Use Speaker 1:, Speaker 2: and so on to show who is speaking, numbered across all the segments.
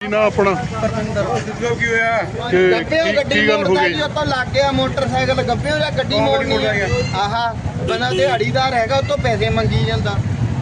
Speaker 1: ना अपना
Speaker 2: गड्डी तो लग गया मोटरसाइकिल गब्बियों या गड्डी मोड़नी आह बना दिहाड़ीदार है तो पैसे मंगी जाता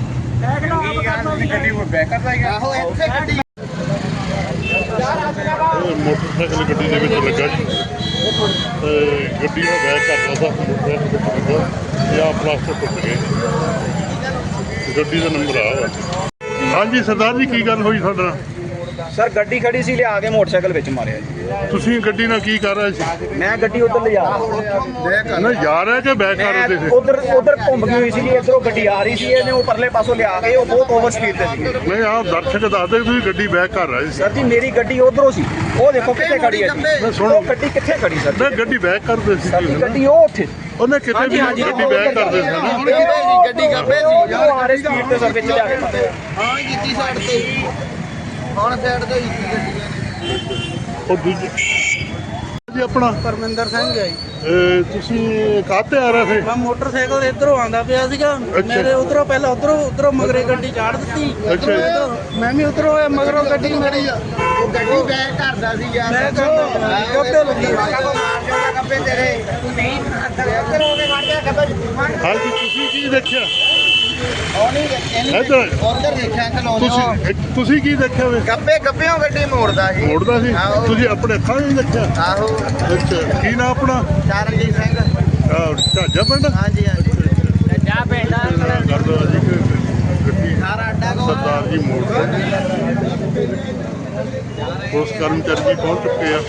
Speaker 1: मोटरसाइकिल गड्डी के लगा जी गड्डी बैक कर रहा था मोटरसाइकिल या प्लास्टर टुट गए गड्डी का नंबर आ हाँ जी सरदार जी की गल हुई साडे नाल
Speaker 3: सर गड्डी खड़ी सी लिया के मोटरसाइकिल विच मारिया जी
Speaker 1: तुसीं गड्डी नाल की कर रहे सी
Speaker 3: मैं गड्डी उधर ले जा
Speaker 1: ना जा रहे कि बैक कर रहे थे
Speaker 3: उधर उधर घूम गई हुई सी इधरों गड्डी आ रही सी ਇਹਨੇ ਉਹ ਪਰਲੇ ਪਾਸੋਂ ਲਿਆ ਕੇ ਉਹ ਬਹੁਤ ਓਵਰ ਸਪੀਡ ਤੇ ਸੀ
Speaker 1: नहीं आप दर्शक दसदे तुसीं गड्डी बैक कर रहे सी
Speaker 3: सर जी मेरी गड्डी उधरों सी ਉਹ ਦੇਖੋ ਕਿੱਥੇ ਖੜੀ ਹੈ ਜੀ
Speaker 1: सुनो
Speaker 3: ਉਹ ਗੱਡੀ ਕਿੱਥੇ ਖੜੀ ਸਰ
Speaker 1: मैं गड्डी बैक करदे सी
Speaker 3: ਸਾਡੀ ਗੱਡੀ ਉਹ ਉੱਥੇ
Speaker 1: ਉਹਨੇ ਕਿਤੇ ਵੀ ਗੱਡੀ बैक करदे सी ना
Speaker 2: गड्डी गब्बे
Speaker 3: ਉਹ ਆ ਰਹੀ ਸਪੀਡ ਤੇ ਸਰ ਵਿੱਚ ਲਿਆ ਕੇ ਮਾਰਿਆ
Speaker 2: हाँ जीती साइड से ਹੁਣ ਸਾਈਡ ਤੇ ਹੀ ਗੱਡੀਆਂ
Speaker 1: ਉਹ ਦੂਜੀ ਜੀ ਆਪਣਾ
Speaker 4: ਪਰਮਿੰਦਰ ਸਿੰਘ ਹੈ ਜੀ
Speaker 1: ਤੁਸੀਂ ਕਾਹਤੇ ਆ ਰਹੇ ਸੀ
Speaker 4: ਮੈਂ ਮੋਟਰਸਾਈਕਲ ਇਧਰੋਂ ਆਂਦਾ ਪਿਆ ਸੀਗਾ ਮੇਰੇ ਉਧਰੋਂ ਪਹਿਲਾਂ ਉਧਰੋਂ ਮਗਰੇ ਗੱਡੀ ਚਾੜ ਦਿੱਤੀ
Speaker 1: ਅੱਛਾ
Speaker 4: ਮੈਂ ਵੀ ਉਧਰੋਂ ਮਗਰੋਂ ਗੱਡੀ ਮੇਰੀ
Speaker 2: ਉਹ ਗੱਡੀ ਬੈਕ ਕਰਦਾ ਸੀ ਯਾਰ
Speaker 4: ਮੈਂ ਗੱਬੇ ਲੱਗੀ
Speaker 2: ਗੱਬੇ ਤੇਰੇ ਤੂੰ ਨਹੀਂ ਇੱਧਰ ਹੋ ਕੇ ਖੜ ਗਿਆ ਗੱਬੇ
Speaker 1: ਹਾਂਜੀ ਤੁਸੀਂ ਕੀ ਦੇਖਿਆ
Speaker 2: ਉਹ ਨਹੀਂ
Speaker 1: ਇੱਧਰ
Speaker 2: ਉਧਰ ਦੇਖਿਆ ਅੰਕਲ
Speaker 1: ਤੁਸੀਂ ਕੀ ਦੇਖਿਆ ਵੇ
Speaker 2: ਗੱਬੇ ਗੱਬਿਓਂ ਗੱਡੀ ਮੋੜਦਾ ਸੀ
Speaker 1: ਮੋੜਦਾ ਸੀ ਤੁਸੀਂ ਆਪਣੇ ਅੱਖਾਂ ਨਾਲ ਦੇਖਿਆ
Speaker 2: ਆਹੋ
Speaker 1: ਅੱਛਾ ਕੀ ਨਾਮ ਆਪਣਾ
Speaker 2: ਚਰਨਜੀਤ ਸਿੰਘ
Speaker 1: ਝਾਜਾ ਪਿੰਡ
Speaker 2: ਹਾਂਜੀ ਹਾਂਜੀ ਜਾ ਪਿੰਡ
Speaker 1: ਕਰਦਾ ਜੀ ਕਿ ਗੱਡੀ
Speaker 2: ਸਾਰਾ ਅੱਡਾ ਕੋ
Speaker 1: ਸਰਦਾਰ ਜੀ ਮੋੜ ਉਸ ਕਰਮਚਾਰੀ ਜੀ ਪਹੁੰਚ ਚੁੱਕੇ ਆ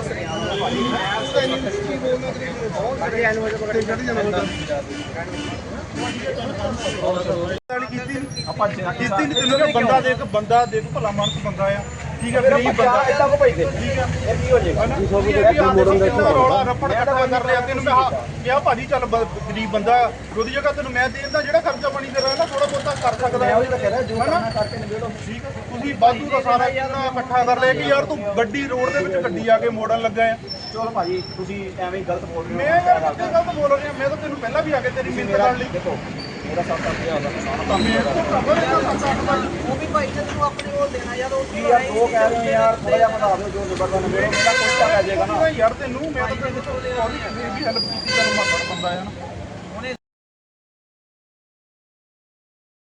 Speaker 5: ਕੀਤੀ ਨਹੀਂ ਤੈਨੂੰ ਕਿ ਬੰਦਾ ਦੇਖ ਭਲਾ ਮਾਨਸ ਬੰਦਾ ਆ ਠੀਕ ਹੈ ਗਰੀਬ ਬੰਦਾ
Speaker 3: ਇੱਦਾਂ ਕੋ ਪੈਸੇ
Speaker 5: ਠੀਕ ਹੈ
Speaker 3: ਇਹ ਕੀ ਹੋ ਜਾਏਗਾ
Speaker 5: ਰੌਲਾ ਰੱਪੜ ਇਕੱਠਾ ਕਰ ਲਿਆ ਤੈਨੂੰ ਕਿਹਾ ਭਾਜੀ ਚੱਲ ਗਰੀਬ ਬੰਦਾ ਉਹਦੀ ਜਗ੍ਹਾ ਤੈਨੂੰ ਮੈਂ ਦੇ ਦਿੰਦਾ ਜਿਹੜਾ ਖਰਚਾ ਪਾਣੀ ਤੇਰਾ ਨਾ ਥੋੜਾ ਬਹੁਤਾ ਕਰ ਸਕਦਾ ਹੈ ਠੀਕ ਹੈ ਤੁਸੀਂ ਵਾਧੂ ਦਾ ਸਾਰਾ ਇਕੱਠਾ ਕਰ ਲਿਆ ਕਿ ਯਾਰ ਤੂੰ ਗੱਡੀ ਰੋਡ ਦੇ ਵਿੱਚ ਗੱਡੀ ਆ ਕੇ ਮੋੜਨ ਲੱਗਾ ਆ
Speaker 3: ਚਲੋ ਭਾਜੀ ਤੁਸੀਂ ਐਵੇਂ ਹੀ ਗਲਤ ਬੋਲ ਰਹੇ
Speaker 5: ਮੈਂ ਯਾਰ ਕਿੱਥੇ ਗਲਤ ਬੋਲ ਰਿਹਾ ਮੈਂ ਤਾਂ ਤੈਨੂੰ ਪਹਿਲਾਂ ਵੀ ਆ ਕੇ ਤੇਰੀ ਮਿਹਨਤ ਕਰਨ ਲਈ
Speaker 3: ਦੇਖੋ ਮੇਰਾ 7-8000 ਦਾ ਨੁਕਸਾਨ
Speaker 4: ਉਹ ਵੀ ਭਾਈ ਨੇ ਤੈਨੂੰ ਆਪਣੇ ਕੋਲ ਦੇਣਾ ਯਾਰ ਉਹ
Speaker 3: ਯਾਰ ਦੋ ਕਹਿ ਰਹੇ ਯਾਰ ਥੋੜਾ ਜਿਹਾ ਵਧਾ ਦਿਓ ਜੋ ਜ਼ਬਰਦਸਤ ਮੇਰਾ ਕੁਛ ਤਾਂ ਪੈ ਜਾਏਗਾ ਨਾ
Speaker 5: ਯਾਰ ਤੈਨੂੰ ਮੈਂ ਤਾਂ ਤੈਨੂੰ ਵੀ ਹੈਲਪ ਕੀਤੀ ਤੈਨੂੰ ਮਾਤੜ ਬੰਦਾ ਆ ਨਾ